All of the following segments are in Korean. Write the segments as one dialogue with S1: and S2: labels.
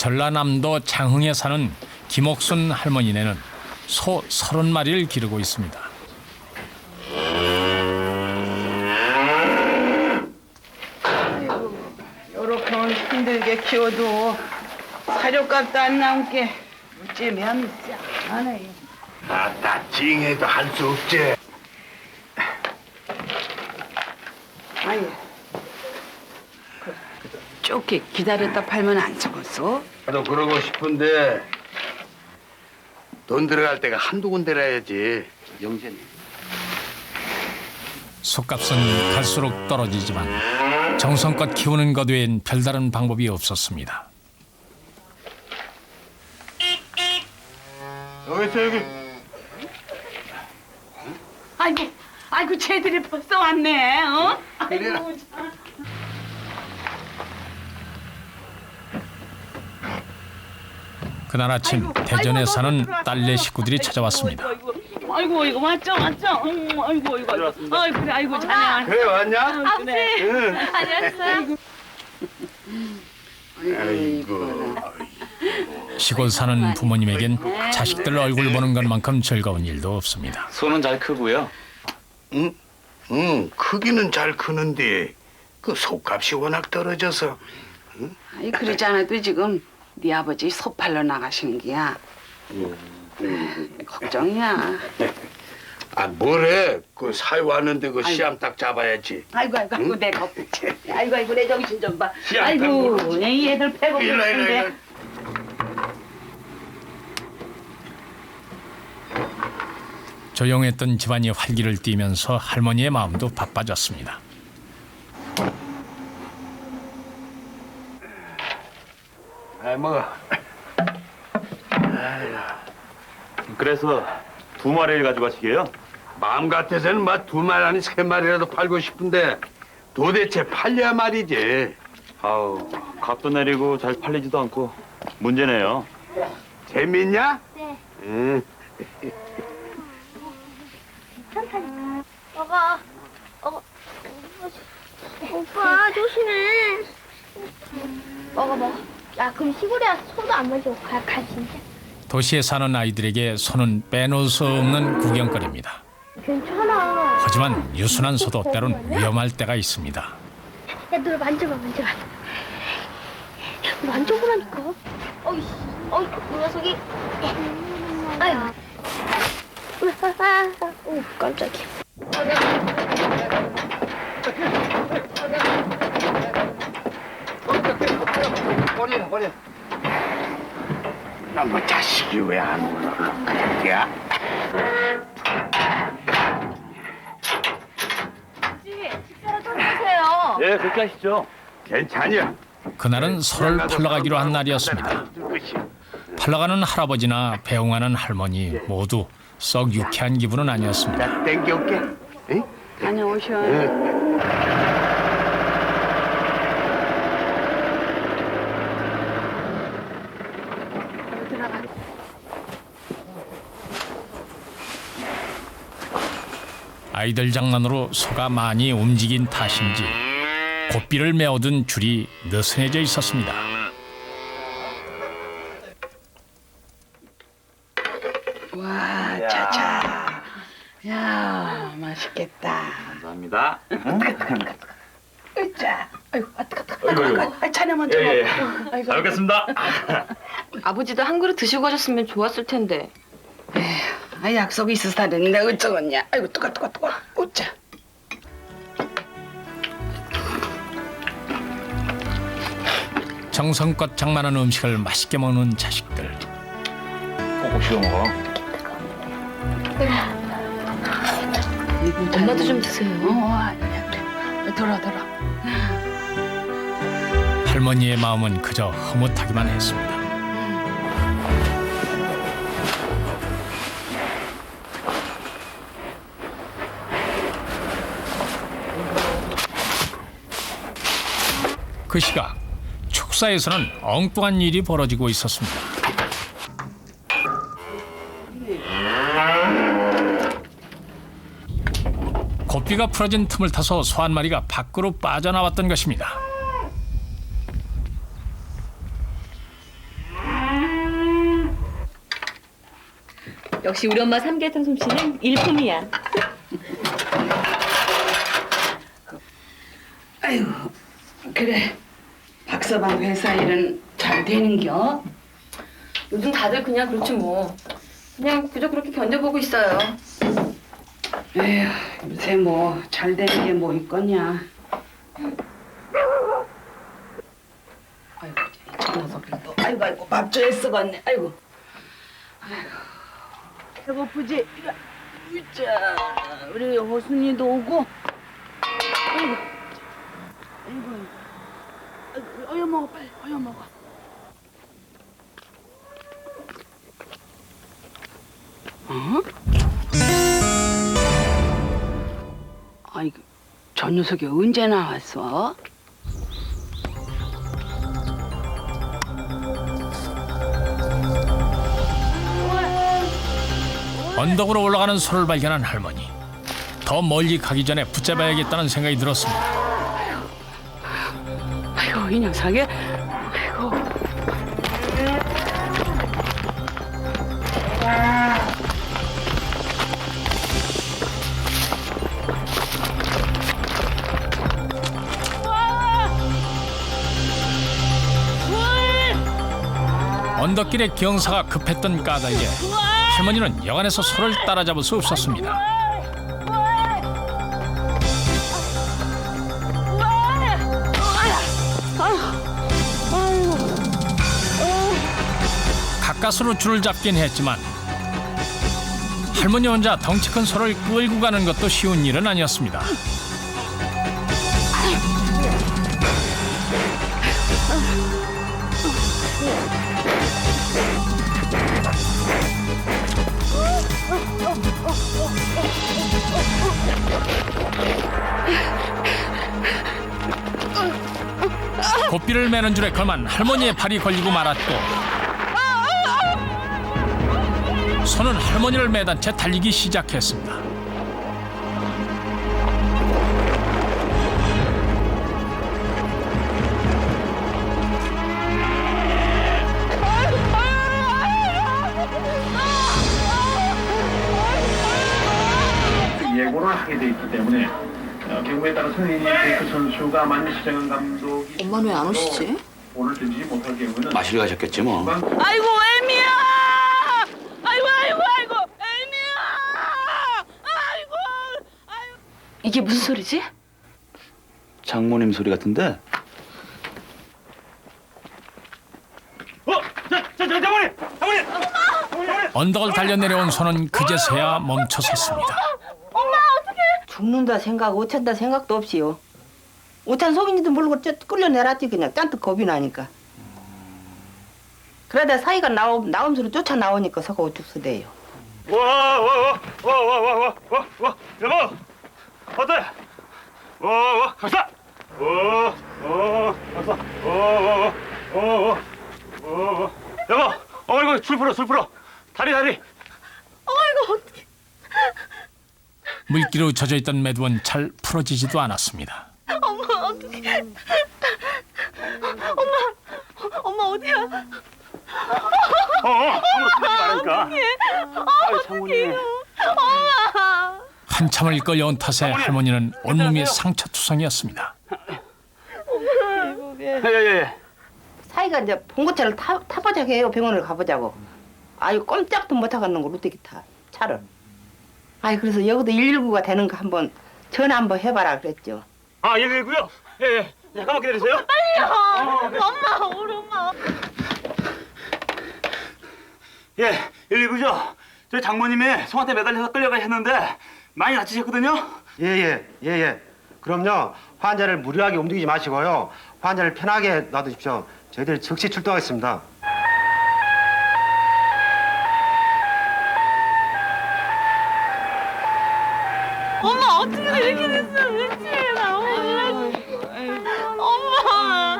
S1: 전라남도 장흥에 사는 김옥순 할머니네는 소 30마리를 기르고 있습니다.
S2: 요렇게 힘들게 키워도 사료값도 안 남게 어찌면 짠하네요.
S3: 아따 징해도 할 수 없지.
S2: 아니, 좁게 기다렸다 팔면 안 죽었어?
S3: 나도 그러고 싶은데 돈 들어갈 때가 한두 군데라야지. 영재님.
S1: 솥값은 갈수록 떨어지지만 정성껏 키우는 것 외엔 별다른 방법이 없었습니다.
S3: 여기 있어 여기.
S2: 아이고, 쟤들이 벌써 왔네, 어?
S3: 그래라.
S2: 아이고, 참.
S1: 그날 아침 대전에 사는 딸네 식구들이 찾아왔습니다.
S2: 아이고, 이거 맞죠? 아이고, 그래, 아이고, 자네.
S3: 그래 왔냐?
S2: 아버지.
S3: 응.
S2: 안녕하세요.
S3: 아이고.
S1: 시골 사는 부모님에겐 자식들 얼굴 보는 것만큼 즐거운 일도 없습니다.
S4: 소는 잘 크고요.
S3: 응. 크기는 잘 크는데 그 속값이 워낙 떨어져서.
S2: 아이, 그러지 않아도 지금 네 아버지 소 팔러 나가시는 게야. 걱정이야.
S3: 아 뭐래? 그 사회 왔는데 그 시암 딱 잡아야지.
S2: 아이고, 내가 없지. 아이고, 내 정신 좀 봐.
S3: 시암
S2: 아이고,
S3: 딱
S2: 이 애들 배고픈데.
S3: 일로.
S1: 조용했던 집안이 활기를 띠면서 할머니의 마음도 바빠졌습니다.
S3: 아이 먹어.
S4: 그래서 2마리를 가져가시게요?
S3: 마음 같아서는 막 2마리 아니 3마리라도 팔고 싶은데 도대체 팔려야 말이지.
S4: 아우, 값도 내리고 잘 팔리지도 않고 문제네요.
S3: 재밌냐?
S5: 네.
S3: 응.
S5: 괜찮다니까. 오빠 조심해. 먹어. 야 그럼 시골에 와서 소도 안 마시고 가 진짜.
S1: 도시에 사는 아이들에게 소는 빼놓을 수 없는 구경거리입니다.
S5: 괜찮아.
S1: 하지만 유순한 소도 때론 위험할 때가 있습니다.
S5: 야 너 만져봐. 만져보라니까. 어이 그 녀석이. 아유. 오 깜짝이야.
S3: 버려. 너뭐 자식이 왜 안 올라? 그냥
S5: 식사라도 해주세요.
S4: 예, 그렇게 하시죠.
S3: 괜찮냐?
S1: 그날은 소를 팔러 가기로 한 날이었습니다. 팔러 가는 할아버지나 배웅하는 할머니 모두 썩 유쾌한 기분은 아니었습니다.
S3: 나 땡겨올게. 응?
S2: 다녀오셔.
S1: 아이들 장난으로 소가 많이 움직인 탓인지 고삐를 메어둔 줄이 느슨해져 있었습니다.
S2: 와, 차차. 야, 맛있겠다.
S4: 감사합니다.
S2: 으짜. 아이고,
S4: 아이고.
S2: 아, 자네 먼저 먹어. 아이고.
S4: 잘 먹겠습니다.
S6: 아버지도 한 그릇 드시고 가셨으면 좋았을 텐데.
S2: 아, 약속이 있으사는데 어쩌겠냐. 아이고, 뜨거. 으짜.
S1: 정성껏 장만한 음식을 맛있게 먹는 자식들.
S4: 꼭꼭 씹어 먹어.
S6: 엄마도 좀 드세요.
S2: 아니야, 그래. 돌아.
S1: 할머니의 마음은 그저 흐뭇하기만 했습니다. 그 시각 축사에서는 엉뚱한 일이 벌어지고 있었습니다. 고삐가 풀어진 틈을 타서 소 한 마리가 밖으로 빠져나왔던 것입니다.
S7: 역시 우리 엄마 삼계탕 솜씨는 일품이야.
S2: 아이고, 그래. 박서방 회사 일은 잘 되는겨?
S6: 요즘 다들 그냥 그렇지 뭐. 그냥 그저 그렇게 견뎌보고 있어요.
S2: 에휴, 요새 뭐 잘 되는 게 뭐 있겠냐. 아이고, 저 녀석들도 아이고 밥줘야 쓰겠네. 아이고. 배고프지? 으짜, 우리 호순이도 오고. 아이고, 아이고, 어여 먹어 빨리, 어여 먹어. 어? 아이고, 저 녀석이 언제 나왔어?
S1: 언덕으로 올라가는 소를 발견한 할머니. 더 멀리 가기 전에 붙잡아야겠다는 생각이 들었습니다.
S2: 아이고, 이 녀석이. 아이고.
S1: 언덕길에 경사가 급했던 까닭에 할머니는 여간에서 소를 따라잡을 수 없었습니다. 가까스로 줄을 잡긴 했지만 할머니 혼자 덩치 큰 소를 끌고 가는 것도 쉬운 일은 아니었습니다. 고삐를 매는 줄에 그만 할머니의 발이 걸리고 말았고 소는 할머니를 매단 채 달리기 시작했습니다.
S8: 예고를 하게 돼 있기 때문에 경우에 따라서는 이 베이크 선수가 만일 시정현 감독이
S6: 엄마는 왜 안 오시지?
S8: 볼을 던지지 못할 경우는
S4: 마실 가셨겠지 뭐.
S2: 아이고, 애미야! 아이고, 애미야! 아이고.
S6: 이게 무슨 소리지?
S4: 장모님 소리 같은데?
S8: 장모님!
S1: 언덕을 달려내려온 소는 그제서야 멈춰섰습니다.
S9: 죽는다 생각, 오찬다 생각도 없이요. 오찬 속인지도 모르고 끌려내놨지 그냥 짠뜩 겁이 나니까. 그러다 사이가 나옴수로 쫓아 나오니까 서가 우죽서대요.
S8: 와, 여보! 어때? 갔어! 갔어! 여보! 어이구, 줄 풀어! 다리!
S1: 물기로 젖어있던 매두원 잘 풀어지지도 않았습니다.
S7: 엄마 어디야?
S8: 아무로 쓰지 말라니까. 아유, 장모님.
S1: 한참을 끌려온 탓에 할머니는 온몸이 상처투성이었습니다.
S8: 예.
S9: 사이가 이제 봉고차를 타보자고 해요. 병원을 가보자고. 아유 꼼짝도 못하겠는 거 어떻게 타 차를. 아이 그래서 여기도 119가 되는 거 한번 전화 한번 해봐라 그랬죠.
S8: 아, 119요? 예. 잠깐만 기다리세요.
S7: 엄마, 우리 엄마.
S8: 예, 119죠. 저희 장모님이 송한테 매달려서 끌려가 했는데 많이 다치셨거든요.
S10: 예. 그럼요. 환자를 무리하게 움직이지 마시고요. 환자를 편하게 놔두십시오. 저희들이 즉시 출동하겠습니다.
S7: 엄마 어떻게 이렇게 됐어? 미치겠어. 나 엄마.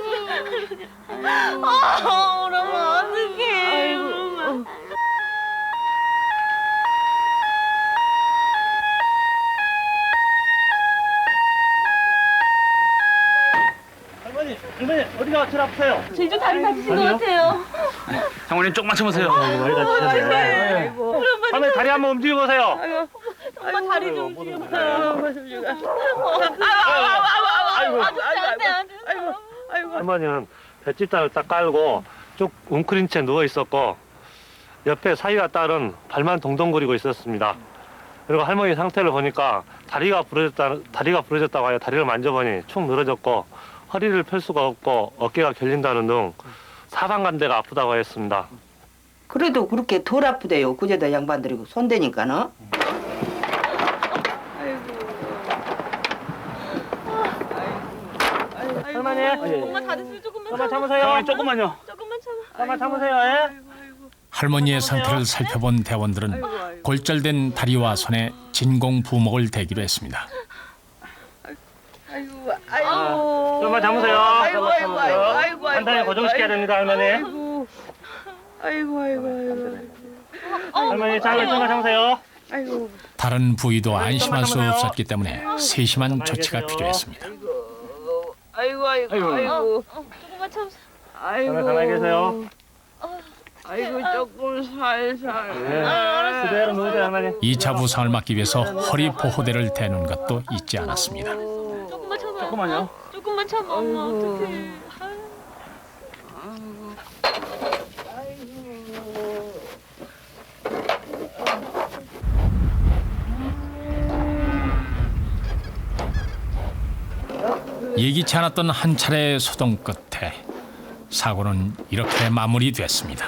S7: 우리 엄마 어떡해.
S8: 할머니 어디가 제일 아프세요?
S7: 제주 다리 다치신 것 같아요.
S4: 장모님 조금만 참으세요.
S8: 많이 다치셨네.
S7: 우리
S8: 할머니 다리 한번 움직여 보세요.
S7: 엄마 다리 좀 움직여보세요.
S11: 할머니는 뱃집단을 딱 깔고 쭉 웅크린 채 누워 있었고 옆에 사위와 딸은 발만 동동거리고 있었습니다. 그리고 할머니 상태를 보니까 다리가 부러졌다고 하여 다리를 만져보니 축 늘어졌고 허리를 펼 수가 없고 어깨가 결린다는 등 사방간대가 아프다고 했습니다.
S9: 그래도 그렇게 덜 아프대요. 그제도 양반들이고 손대니까는.
S8: 할머니.
S7: 엄마 다리 술 조금만
S8: 잠깐만 참으세요. 할머니 조금만요.
S7: 조금만 참아.
S8: 잠깐만 참으세요. 예?
S1: 할머니의 상태를 살펴본 대원들은 골절된 다리와 손에 진공 부목을 대기로 했습니다.
S8: 좀만 참으세요. 아이고. 간단히 고정시켜야 됩니다, 할머니. 할머니 좀만 참으세요.
S1: 다른 부위도 안심할 수 없었기 때문에 세심한 조치가 필요했습니다.
S7: 조금만 참으세요.
S8: 가만히 계세요.
S2: 조금 살살.
S8: 그대로 누우세요, 할머니.
S1: 2차 부상을 막기 위해서 허리 보호대를 대는 것도 잊지 않았습니다.
S7: 조금만 참아.
S8: 조금만요.
S7: 조금만 참아. 엄마 어떡해.
S1: 예기치 않았던 한 차례 소동 끝에 사고는 이렇게 마무리됐습니다.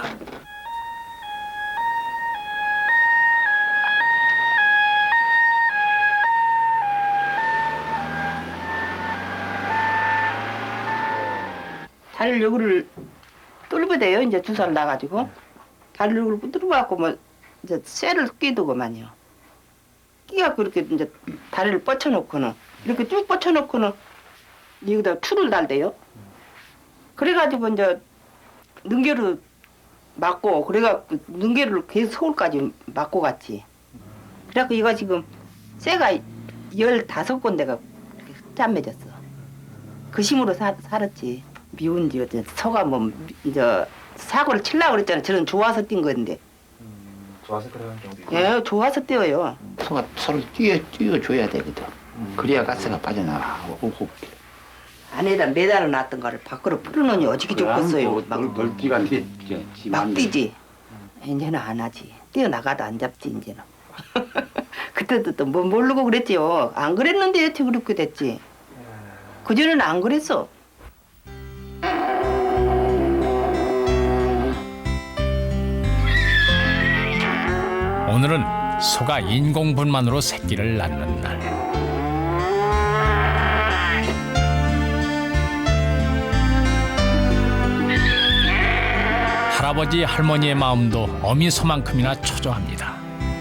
S9: 다리를 여기를 뚫어대요. 이제 주사를 놔가지고 다리를 여기를 뚫어갖고 뭐 이제 쇠를 끼두고만요. 끼가 그렇게 이제 다리를 뻗쳐놓고는 이렇게 쭉 뻗쳐놓고는 여기다 줄을 달대요. 그래가지고 이제 능계를 맞고 그래갖고 능계를 계속 서울까지 맞고 갔지. 그래갖고 이거 지금 쇠가 15군데가 짠맺었어. 그 힘으로 살았지. 미운지 어째 서가 뭐 이제 사고를 치려고 그랬잖아. 저는 좋아서 뛴 건데.
S10: 좋아서 그러는 경우도 있고.
S9: 예, 좋아서 뛰어요.
S12: 소가 서로 뛰어줘야 되거든. 그래야 가스가 빠져나가.
S9: 안에다 매달아 놨던 거를 밖으로 풀어놓으니 어지기 좋겠어요.
S3: 넓기가
S9: 막 뛰지. 이제는 안 하지. 뛰어나가도 안 잡지 이제는. 그때도 또 뭐 모르고 그랬지요. 안 그랬는데 여태 그렇게 됐지. 그전에는 안 그랬어.
S1: 오늘은 소가 인공분만으로 새끼를 낳는 날. 할아버지 할머니의 마음도 어미소만큼이나 초조합니다.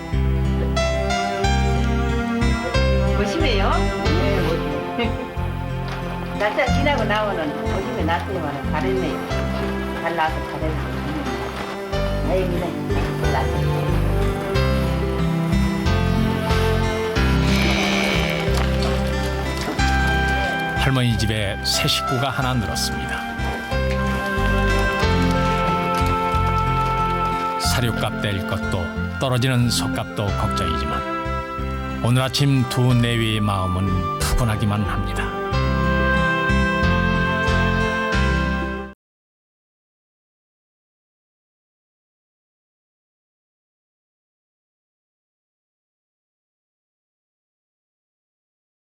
S9: 조심해요. 날짜 지나고 나오는 조심해 놨더니만 잘했네요. 잘 나와서 잘했네. 다행이네. 났어.
S1: 할머니 집에 새 식구가 하나 늘었습니다. 사료값 될 것도 떨어지는 소값도 걱정이지만 오늘 아침 두 내외의 마음은 푸근하기만 합니다.